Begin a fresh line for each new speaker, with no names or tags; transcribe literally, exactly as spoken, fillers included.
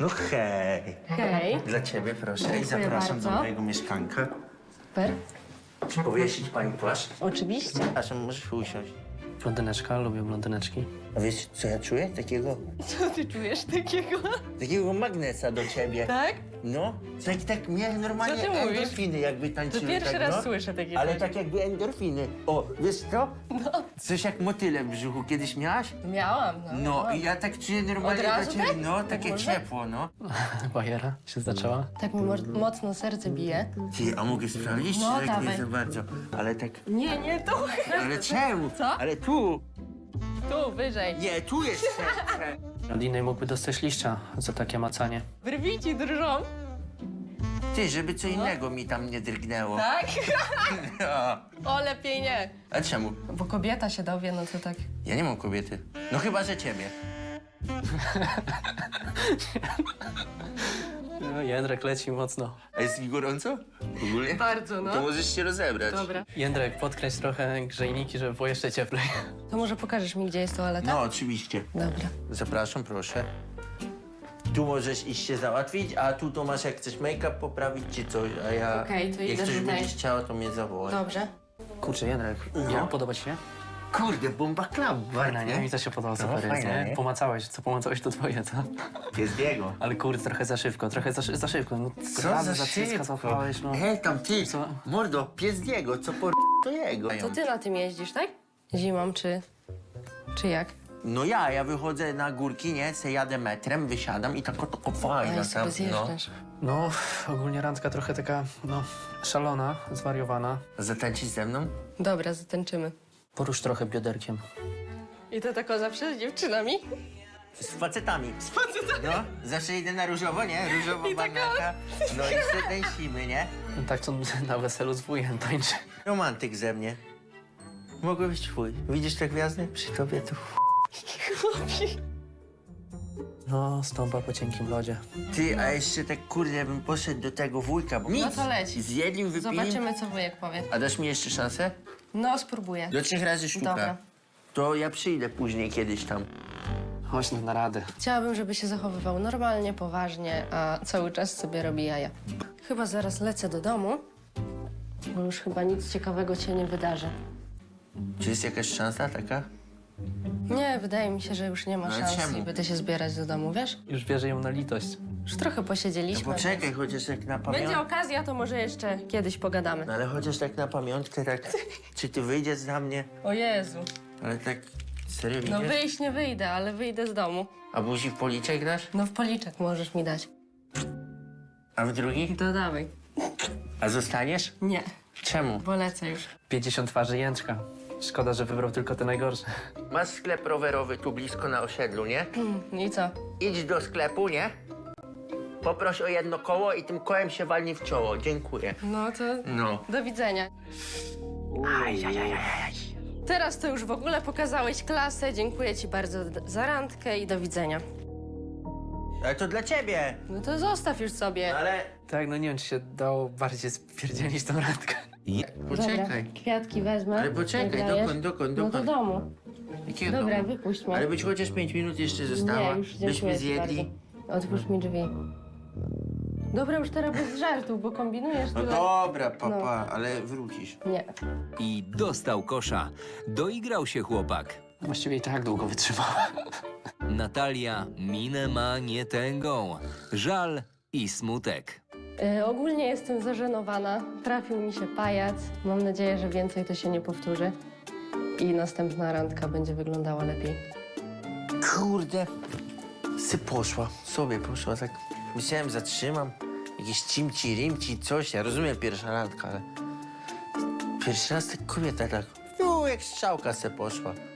hej.
Hej.
Dla ciebie proszę i
Dziękuję
zapraszam
bardzo.
do mojego mieszkanka.
Super.
Czy powiesić pani płaszcz?
Oczywiście.
Przepraszam, możesz usiąść.
Blondyneczka, lubię blondyneczki.
A wiesz, co ja czuję? Takiego,
Co ty czujesz takiego?
takiego magnesa do ciebie.
Tak?
No, tak, tak mnie normalnie
Co ty mówisz?
endorfiny jakby tańczyły.
To pierwszy
tak,
raz
no.
słyszę takie
Ale
coś.
tak jakby endorfiny. O, wiesz co?
No.
Coś jak motyle w brzuchu kiedyś miałaś?
Miałam, no.
No, i ja tak czuję normalnie
Od razu
dla ciebie.
tak?
No,
Tak
takie
można?
ciepło, no.
Bajera się zaczęła.
Tak mi mo- mocno serce bije.
Ty, a mogę sprawdzić,
No,
czy tak nie
dawaj.
za bardzo? Ale tak,
Nie, nie, tu.
ale czemu?
Co?
Ale tu!
Tu, wyżej.
Nie, tu jest serce.
Od innej mógłby dostać liścia za takie macanie.
Brwi ci drżą.
Ty, żeby co innego mi tam nie drgnęło.
Tak?
No.
O, lepiej nie.
A czemu?
Bo kobieta się dowie, no to tak.
Ja nie mam kobiety. No chyba, że ciebie.
No, Jędrek leci mocno.
A jest ci gorąco? Ogólnie?
Bardzo, no.
To możesz się rozebrać.
Dobra.
Jędrek, podkręć trochę grzejniki, żeby było jeszcze cieplej.
To może pokażesz mi, gdzie jest toaleta?
No, oczywiście.
Dobra.
Zapraszam, proszę. Tu możesz iść się załatwić, a tu to masz jak chcesz make-up poprawić czy coś, a ja...
Okej, to
jak
idę
coś
tutaj.
będziesz chciała, to mnie zawołaj.
Dobrze.
Kurczę, Jędrek,
No.
jak podoba ci się?
Kurde, bomba club,
Fajna, nie? Mi to się podoba, super jest,
fajne,
nie?
nie?
Pomacałeś, co pomacałeś, to twoje, co?
Jest biego.
Ale kurde, trochę za szybko, trochę za, szy- za szybko. No,
Co
prawy
za
cycka
szybko?
złapałeś, no.
Hej, tam ty,
Co?
mordo, pies Diego, co po to jego.
To ty na tym jeździsz, tak? Zimą, czy... czy jak?
No ja, ja wychodzę na górki, nie, se jadę metrem, wysiadam i tak oto
A
fajna
ja
tam,
sobie
no.
zjeżdżasz.
No, ogólnie randka trochę taka, no, szalona, zwariowana.
Zatańczyć ze mną?
Dobra, zatańczymy.
Porusz trochę bioderkiem.
I to tako zawsze z dziewczynami?
Z facetami. Z facetami? No, zawsze idę na różowo, nie? Różowo banaka. No i se tańczymy, nie?
No, tak to na weselu z wujem tańczy.
Romantyk ze mnie. Mogę być twój. Widzisz te gwiazdy? Przy tobie to...
No, stąpa po cienkim lodzie.
Ty, a jeszcze tak kurde bym poszedł do tego wujka, bo nic.
No to leć.
Zjedlim, wypili.
Zobaczymy, co wujek powie.
A dasz mi jeszcze szansę?
No, spróbuję.
Do trzech razy sztuka.
Dobra.
To ja przyjdę później kiedyś tam.
Chodź no, na radę.
Chciałabym, żeby się zachowywał normalnie, poważnie, a cały czas sobie robi jaja. Chyba zaraz lecę do domu, bo już chyba nic ciekawego się nie wydarzy.
Czy jest jakaś szansa taka?
Nie, wydaje mi się, że już nie ma
No ale
szans
czemu?
i będę się zbierać do domu, wiesz?
Już bierze ją na litość.
Już trochę
No
posiedzieliśmy.
poczekaj, chociaż jak na
Będzie
pamiątkę.
okazja, to może jeszcze kiedyś pogadamy.
No ale chociaż tak na pamiątkę, tak. Czy ty wyjdziesz za mnie?
O Jezu.
Ale tak serio
No
wyjdziesz?
wyjść nie wyjdę, ale wyjdę z domu.
A buzi w policzek dasz?
No w policzek możesz mi dać.
A w drugi?
To dawaj.
A zostaniesz?
Nie,
Czemu?
bo lecę już.
pięćdziesiąt twarzy Jęczka. Szkoda, że wybrał tylko te najgorsze.
Masz sklep rowerowy tu blisko na osiedlu, nie?
I co?
Idź do sklepu, nie? Poproś o jedno koło i tym kołem się walnij w czoło. Dziękuję.
No to
No.
do widzenia. Teraz to już w ogóle pokazałeś klasę. Dziękuję ci bardzo d- za randkę i do widzenia.
Ale to dla ciebie.
No to zostaw już sobie.
Ale...
Tak, no nie wiem, czy się dało bardziej spierdzielić tą randkę.
Poczekaj.
Dobra, kwiatki wezmę.
Ale poczekaj,
jak dajesz.
dokąd, dokąd,
No do
dokąd?
domu.
Jakiego
Dobra,
domu?
wypuść mnie.
Ale być chociaż pięć minut jeszcze została.
Nie, już
Byśmy
dziękuję ci
zjedli.
bardzo. Otwórz mi drzwi. Dobra, już teraz bez żartów, bo kombinujesz
No
tyle.
dobra, papa, ale wrócisz.
Nie.
I dostał kosza. Doigrał się chłopak.
Właściwie i tak długo wytrzymała.
Natalia minę ma nie tęgą. Żal i smutek.
E, ogólnie jestem zażenowana. Trafił mi się pajac. Mam nadzieję, że więcej to się nie powtórzy. I następna randka będzie wyglądała lepiej.
Kurde. Sy poszła, sobie poszła, tak myślałem, zatrzymam. Jakieś cimci, rimci, coś. Ja rozumiem pierwsza randka, ale... Pierwszy raz tak kobieta tak... No, jak strzałka se poszła.